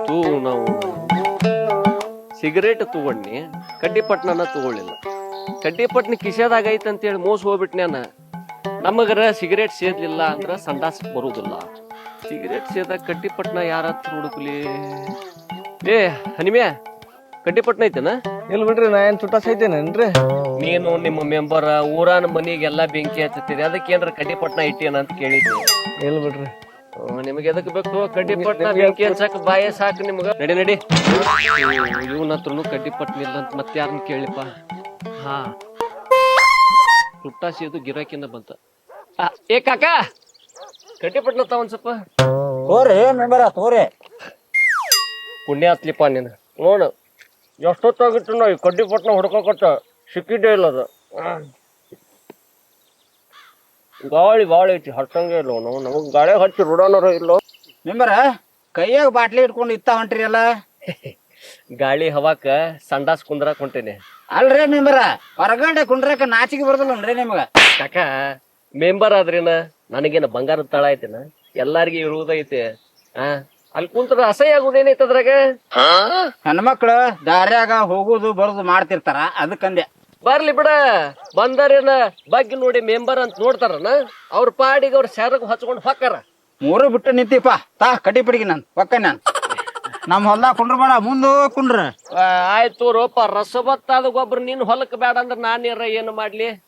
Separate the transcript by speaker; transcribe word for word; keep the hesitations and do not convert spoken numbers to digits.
Speaker 1: ತೂ ನಾವು ಸಿಗರೇಟ್ ತಗೊಂಡ್ನಿ ಕಡ್ಡಿಪಟ್ನನ ತಗೊಳ್ಳಿಲ್ಲ. ಕಡ್ಡಿಪಟ್ನ ಕಿಶೆದಾಗ ಐತೆ ಅಂತೇಳಿ ಮೋಸ ಹೋಗ್ಬಿಟ್ನ್ಯಾನ. ನಮಗರ ಸಿಗರೇಟ್ ಸೇದ್ಲಿಲ್ಲ ಅಂದ್ರ ಸಂಡಾಸ್ ಬರುದಿಲ್ಲ. ಸಿಗರೇಟ್ ಸೇದಾಗ ಕಡ್ಡಿಪಟ್ನ ಯಾರ ಹತ್ರ ಹುಡುಕ್ಲಿ? ಏ ಹನಿಮ್ಯಾ, ಕಡ್ಡಿಪಟ್ನ ಐತೆನ?
Speaker 2: ಇಲ್ಲ ಬಿಡ್ರಿ, ನಾ ಏನ್ ಚುಟ್ಟ ಸೈತೇನೇನ್ರಿ?
Speaker 1: ನೀನು ನಿಮ್ಮ ಮೆಂಬರ್ ಊರಾನ ಮನಿಗೆಲ್ಲಾ ಬೆಂಕಿ ಹಚ್ಚತ್ತೀರಿ, ಅದಕ್ಕೆ ಏನ್ರ ಕಡ್ಡಿಪಟ್ನ ಇಟ್ಟೇನ ಅಂತ ಕೇಳಿದ್ವಿ.
Speaker 2: ಇಲ್ಲ ಬಿಡ್ರಿ.
Speaker 1: ನಿಮ್ಗೆ ಎದಕ್ ಬೇಕು ಕಡ್ಡಿಪಟ್ನ? ಬೆಂಕಿ ಹಚ್ಚಾಕ ಬಾಯ ಸಾಕು ನಿಮ್ಗ. ನಡಿ ನಡಿ, ಇವನ ಹತ್ರನು ಕಡ್ಡಿಪಟ್ನ ಇಲ್ಲ ಅಂತ ಮತ್ತೆ ಯಾರನ್ನ ಕೇಳಿಪ್ಪ. ಹಾ, ತುಟ್ಟಾಸಿ ಅದು ಗಿರಾಕಿಂದ ಬಂತ. ಏ ಕಾಕ, ಕಡ್ಡಿಪಟ್ನ ತಾವ ಒಂದ್ ಸ್ವಲ್ಪ
Speaker 3: ತೋರಿ ಮೆಂಬರ ತೋರಿ.
Speaker 1: ಪುಣ್ಯ ಹತ್ಲಿಪ್ಪ ನೀನು. ನೋಡು ಎಷ್ಟೊತ್ತಾಗಿತ್ತು ನಾವು ಈ ಕಡ್ಡಿಪಟ್ನ ಹುಡ್ಕೋಕತ್ತ, ಸಿಕ್ಕಿದ್ದೇ ಇಲ್ಲ ಅದು. ಗಾಳಿ ಬಾಳ ಐತಿ, ಹತ್ತಂಗೆ ಇಲ್ಲ ನಾವು. ನಮಗ್ ಗಾಳಿ ಹಚ್ಚಿ ರುಡೋನರ ಇಲ್ಲೋ.
Speaker 3: ಮೆಂಬರ ಕೈಯಾಗ ಬಾಟ್ಲಿ ಇಟ್ಕೊಂಡು ಇತ್ತ ಹೊಂಟ್ರಿ ಅಲ್ಲ.
Speaker 1: ಗಾಳಿ ಹವಾಕ ಸಂಡಾಸ್ ಕುಂದ್ರಾಕ್ ಹೊಂಟೇನೆ.
Speaker 3: ಅಲ್ರಿ ಮೆಂಬರ, ಹೊರಗಡೆ ಕುಂಡ್ರಕ ನಾಚಿಗೆ ಬರೋದಿಲ್ಲನ್ರಿ ನಿಮ್ಗ?
Speaker 1: ಕಾಕ, ಮೆಂಬರ್ ಆದ್ರೇನ ನನಗೇನ ಬಂಗಾರದ ತಳ ಐತೆನ? ಎಲ್ಲಾರ್ಗಿ ಇರುವುದೈತೆ. ಆ ಅಲ್ಲಿ ಕುಂತ್ರ ಅಸಹ್ಯ ಆಗುದೇನೈತೆ ಅದ್ರಾಗ.
Speaker 3: ಹೆಣ್ಮಕ್ಳು ದಾರ್ಯಾಗ ಹೋಗುದು ಬರುದು ಮಾಡ್ತಿರ್ತಾರ, ಅದಕ್ಕಂದೆ.
Speaker 1: ಬರ್ಲಿ ಬಿಡ, ಬಂದಾರೇನ ಬಗ್ಗೆ ನೋಡಿ ಮೆಂಬರ್ ಅಂತ ನೋಡ್ತಾರನ? ಅವ್ರ ಪಾಡಿಗೆ ಅವ್ರ ಸ್ಯಾರಗ್ ಹಚ್ಕೊಂಡ್ ಹೊಕ್ಕಾರ.
Speaker 3: ಮೂರು ಬಿಟ್ಟು ನಿಂತಿಪ್ಪ ತಾ ಕಡ್ಡಿ piಡಿಗೆ ನಾನು ಒಕ್ಕ ನಾನು ನಮ್ಮ ಹೊಲ್ದಾಗ ಕುಂಡ್ರಬೇಡ, ಮುಂದೆ ಕುಂಡ್ರ.
Speaker 1: ಆಯ್ತು ರೋಪ, ರಸಬತ್ತಾದ ಗೊಬ್ಬರ ನೀನ್ ಹೊಲಕ್ ಬೇಡ ಅಂದ್ರ ನಾನೇರ ಏನು ಮಾಡ್ಲಿ?